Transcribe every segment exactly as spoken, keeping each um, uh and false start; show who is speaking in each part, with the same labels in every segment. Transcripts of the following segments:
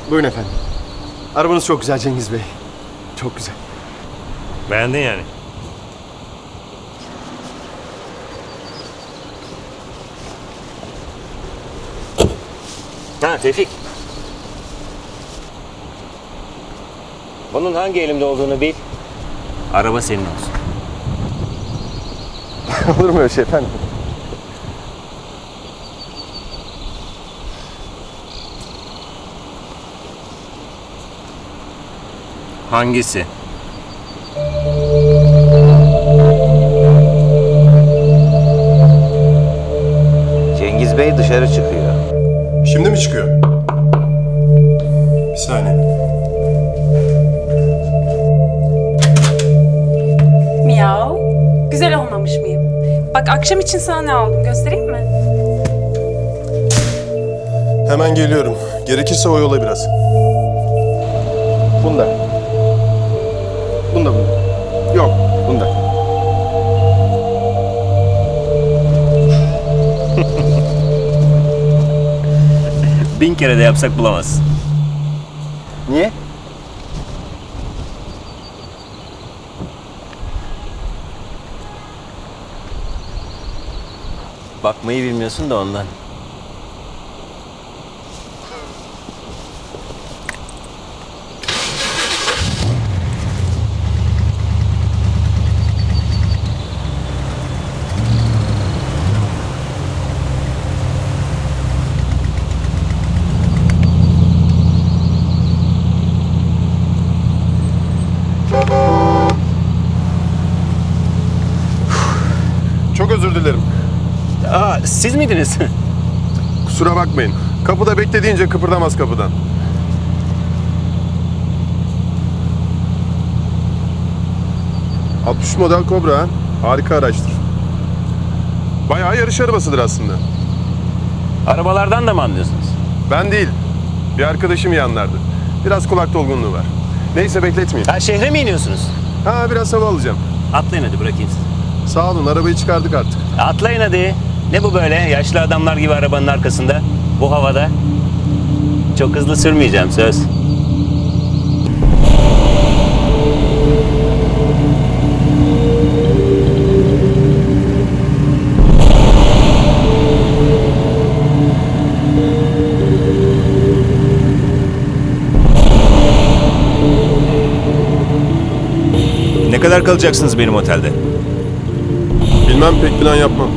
Speaker 1: Buyurun efendim. Arabanız çok güzel Cengiz Bey. Çok güzel.
Speaker 2: Beğendin yani. Ha Tevfik. Bunun hangi elimde olduğunu bil. Araba senin olsun.
Speaker 1: Olur mu öyle şey efendim?
Speaker 2: Hangisi?
Speaker 3: Cengiz Bey dışarı çıkıyor.
Speaker 1: Şimdi mi çıkıyor? Bir saniye.
Speaker 4: Miyav. Güzel olmamış mıyım? Bak akşam için sana ne aldım göstereyim mi?
Speaker 1: Hemen geliyorum. Gerekirse o yola biraz. Bunda. Bunda bunda. Yok, bunda.
Speaker 2: Bin kere de yapsak bulamazsın.
Speaker 1: Niye?
Speaker 2: Bakmayı bilmiyorsun da ondan.
Speaker 1: Çok özür dilerim.
Speaker 2: Aa, siz miydiniz?
Speaker 1: Kusura bakmayın. Kapıda bekle deyince kıpırdamaz kapıdan. altmış model Cobra ha. Harika araçtır. Bayağı yarış arabasıdır aslında.
Speaker 2: Arabalardan da mı anlıyorsunuz?
Speaker 1: Ben değil. Bir arkadaşım iyi anlardı. Biraz kulak dolgunluğu var. Neyse bekletmeyeyim.
Speaker 2: Ha, şehre mi iniyorsunuz?
Speaker 1: Ha biraz hava alacağım.
Speaker 2: Atlayın hadi, bırakayım sizi.
Speaker 1: Sağ olun arabayı çıkardık artık.
Speaker 2: Atlayın hadi. Ne bu böyle? Yaşlı adamlar gibi arabanın arkasında. Bu havada. Çok hızlı sürmeyeceğim, söz. Ne kadar kalacaksınız benim otelde?
Speaker 1: Bilmem pek plan yapmam.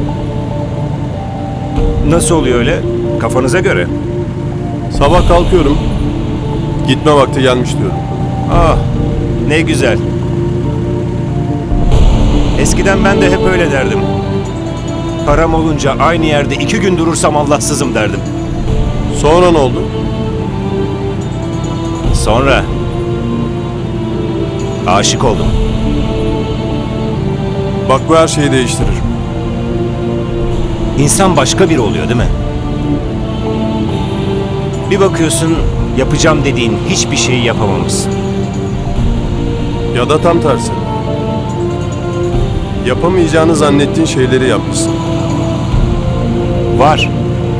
Speaker 2: Nasıl oluyor öyle? Kafanıza göre.
Speaker 1: Sabah kalkıyorum. Gitme vakti gelmiş diyorum.
Speaker 2: Ah, ne güzel. Eskiden ben de hep öyle derdim. Param olunca aynı yerde iki gün durursam Allahsızım derdim.
Speaker 1: Sonra ne oldu?
Speaker 2: Sonra aşık oldum.
Speaker 1: Bak bu her şeyi değiştirir.
Speaker 2: İnsan başka biri oluyor değil mi? Bir bakıyorsun yapacağım dediğin hiçbir şeyi yapamamışsın.
Speaker 1: Ya da tam tersi. Yapamayacağını zannettiğin şeyleri yapmışsın.
Speaker 2: Var.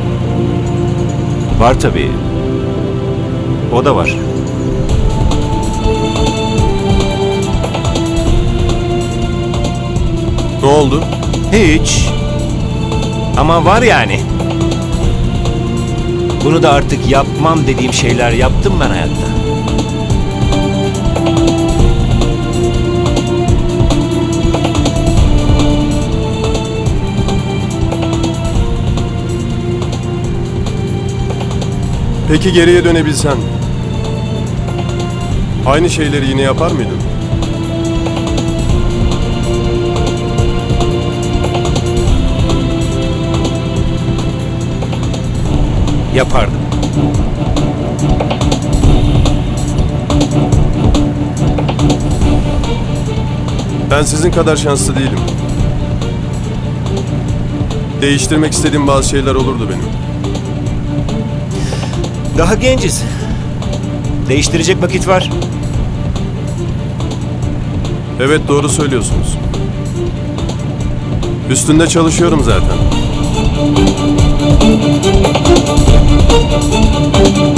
Speaker 2: Var tabii. O da var.
Speaker 1: Ne oldu?
Speaker 2: Hiç. Ama var yani. Bunu da artık yapmam dediğim şeyler yaptım ben hayatta.
Speaker 1: Peki geriye dönebilsen aynı şeyleri yine yapar mıydın?
Speaker 2: Yapardım.
Speaker 1: Ben sizin kadar şanslı değilim. Değiştirmek istediğim bazı şeyler olurdu benim.
Speaker 2: Daha genciz. Değiştirecek vakit var.
Speaker 1: Evet doğru söylüyorsunuz. Üstünde çalışıyorum zaten.